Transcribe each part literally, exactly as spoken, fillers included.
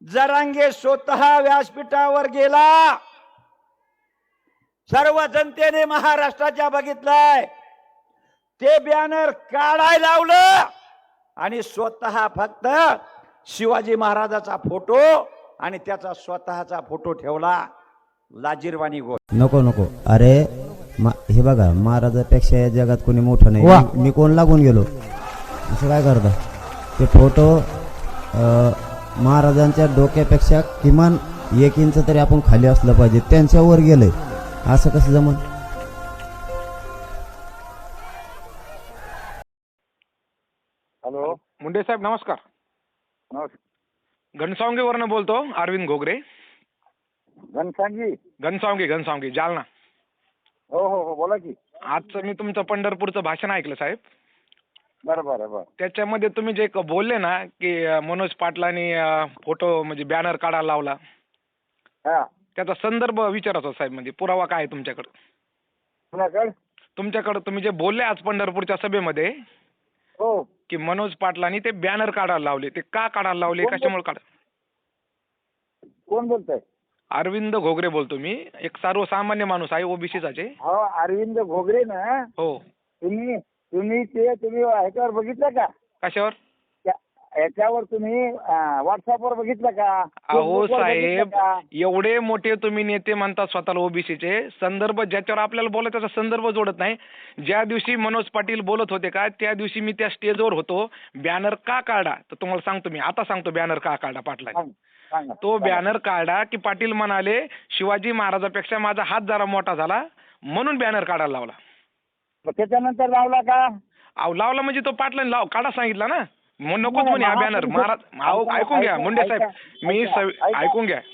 जरांगे स्वतः व्यासपीठावर गेला, सर्व जनतेने महाराष्ट्राच्या बघितलंय, ते बॅनर काढायला लावलं आणि स्वतः फक्त शिवाजी महाराजाचा फोटो आणि त्याचा स्वतःचा फोटो ठेवला. लाजीरवाणी गोष्ट. नको नको अरे हे बघा, महाराजापेक्षा या जगात कोणी मोठं नाही. मी, मी कोण लागून गेलो असं काय करता? ते फोटो महाराजांच्या डोक्यापेक्षा किमान एक इंच तरी आपण खाली असलं पाहिजे, त्यांच्यावर गेलंय, असं कसं जमन? हॅलो मुंडे साहेब नमस्कार. नमस्कार. घनसावंगीवरनं बोलतो, अरविंद घोगरे. घनसांगी. घनसावंगी घनसावंगी जालना. हो हो हो बोला की. आजचं मी तुमचं पंढरपूरचं भाषण ऐकलं साहेब. बरं बरं बरं. त्याच्यामध्ये तुम्ही जे क- बोलले ना की अं, मनोज पाटलांनी अं, फोटो म्हणजे बॅनर काढायला लावला, हा त्याचा संदर्भ विचारायचा साहेब, म्हणजे पुरावा काय आहे तुमच्याकडे? कुणाकडे? तुमच्याकडे तुम्ही जे बोलले आज पंढरपूरच्या सभेमध्ये हो. की मनोज पाटलांनी ते बॅनर काढायला लावले, ते का काढायला लावले, कोण बोल- कशामुळे काढ? कोण बोलतोय? अरविंद घोगरे बोलतो मी, एक सर्वसामान्य माणूस आहे, ओबीसीचाच आहे. हो अरविंद घोगरे ना. हो. तुम्ही तुम्ही ते तुम्ही ह्याच्यावर बघितलं का? कशावर? त्या- ह्याच्यावर तुम्ही व्हॉट्सअपवर बघितलं का? अहो फेसबुकवर बघितलं साहेब, का? एवढे मोठे तुम्ही नेते म्हणतात स्वतःला ओबीसीचे, संदर्भ ज्याच्यावर आपल्याला बोलायचा त्याचा संदर्भ जोडत नाही. ज्या दिवशी मनोज पाटील बोलत होते का, त्या दिवशी मी त्या स्टेजवर होतो. बॅनर का काढा तर तुम्हाला सांगतो, मी आता सांगतो बॅनर का काढा पाटला. सांग- सांगा. तो सांगा. बॅनर काढा की पाटील म्हणाले शिवाजी महाराजापेक्षा माझा हात जरा मोठा झाला म्हणून बॅनर काढायला लावला. मग त्याच्यानंतर लावला का? अहो लावला म्हणजे तो पाटलांनी लाव काढा सांगितला ना, मग नकोच नाही, म्हणे हा महा- बॅनर. महाराज अहो ऐका- ऐकून घ्या ऐका- मुंडे साहेब, ऐका- मी ऐका- सव- ऐका. ऐकून घ्या.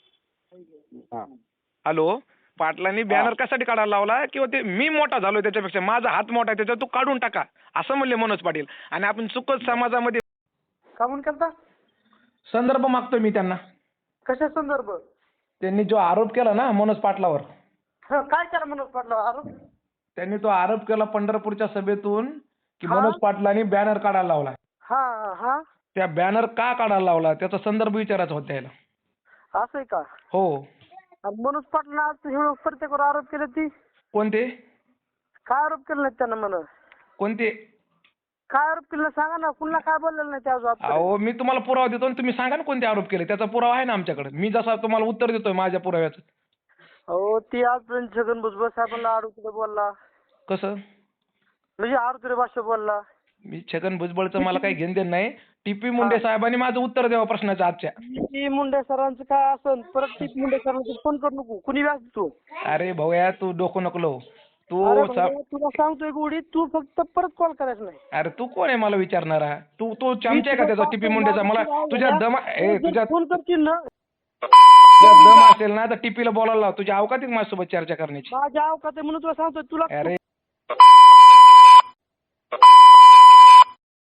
हा. हॅलो, पाटलांनी बॅनर कशासाठी काढायला लावला? किंवा ते मी मोठा झालोय त्याच्यापेक्षा, माझा हात मोठा आहे त्याच्यात, तू काढून टाका असं म्हणले मनोज पाटील. आणि आपण चुकत समाजामध्ये का म्हणून करता? संदर्भ मागतोय मी त्यांना. कशा संदर्भ? त्यांनी जो आरोप केला ना मनोज पाटलावर, हं, काय केलं मनोज पाटला आरोप? त्यांनी तो आरोप केला पंढरपूरच्या सभेतून की हा? मनोज पाटलांनी बॅनर काढायला लावला. हा हा त्या बॅनर का काढायला लावला त्याचा संदर्भ विचारायचा होता त्याला. असं आहे का? हो. आणि मनोज पाटला आज एवढं प्रत्येकावर आरोप केले, ती कोणते काय आरोप केले नाहीत त्यानं? म्हणा कोणते काय आरोप केले सांगा ना, कुणाला काय बोललेलं नाही त्या अजून? अहो मी तुम्हाला पुरावा देतो आणि तुम्ही सांगा ना कोणते आरोप केले, त्याचा पुरावा आहे ना आमच्याकडे. मी जसा तुम्हाला उत्तर देतोय माझ्या पुराव्याचं. हो, ती आजपर्यंत छगन भुजबळ साहेबांना आरोप बोलला, कसं म्हणजे आरोग्य भाषा बोलला. मी छगन भुजबळचं मला काही घेणं देणं नाही. टीपी मुंडे साहेबांनी माझं उत्तर द्यावं प्रश्नाच्या आजच्या. ती मुंडे सरांचं काय असेल परत ती मुंडे सरांचं फोन करू नको, कुणी व्यास तू. अरे भाऊया तू डोकं नको लावू. तू अरे सा- भाऊ, तुला सांगतोय गोडी, तू फक्त परत कॉल करायचा नाही. अरे तू कोण आहे मला विचारणारा? तू तू चमचा आहे का त्याचा टीपी मुंडेचा? मला तुझ्या दम ए तुझ्या फोन करशील ना, तुझ्या दम असेल ना तर टीपीला बोलायला लाव. तुझ्या अवकातीत माझ्यासोबत चर्चा करण्याची. माझ्या अवकात आहे म्हणून तुला सांगतोय. तुला अरे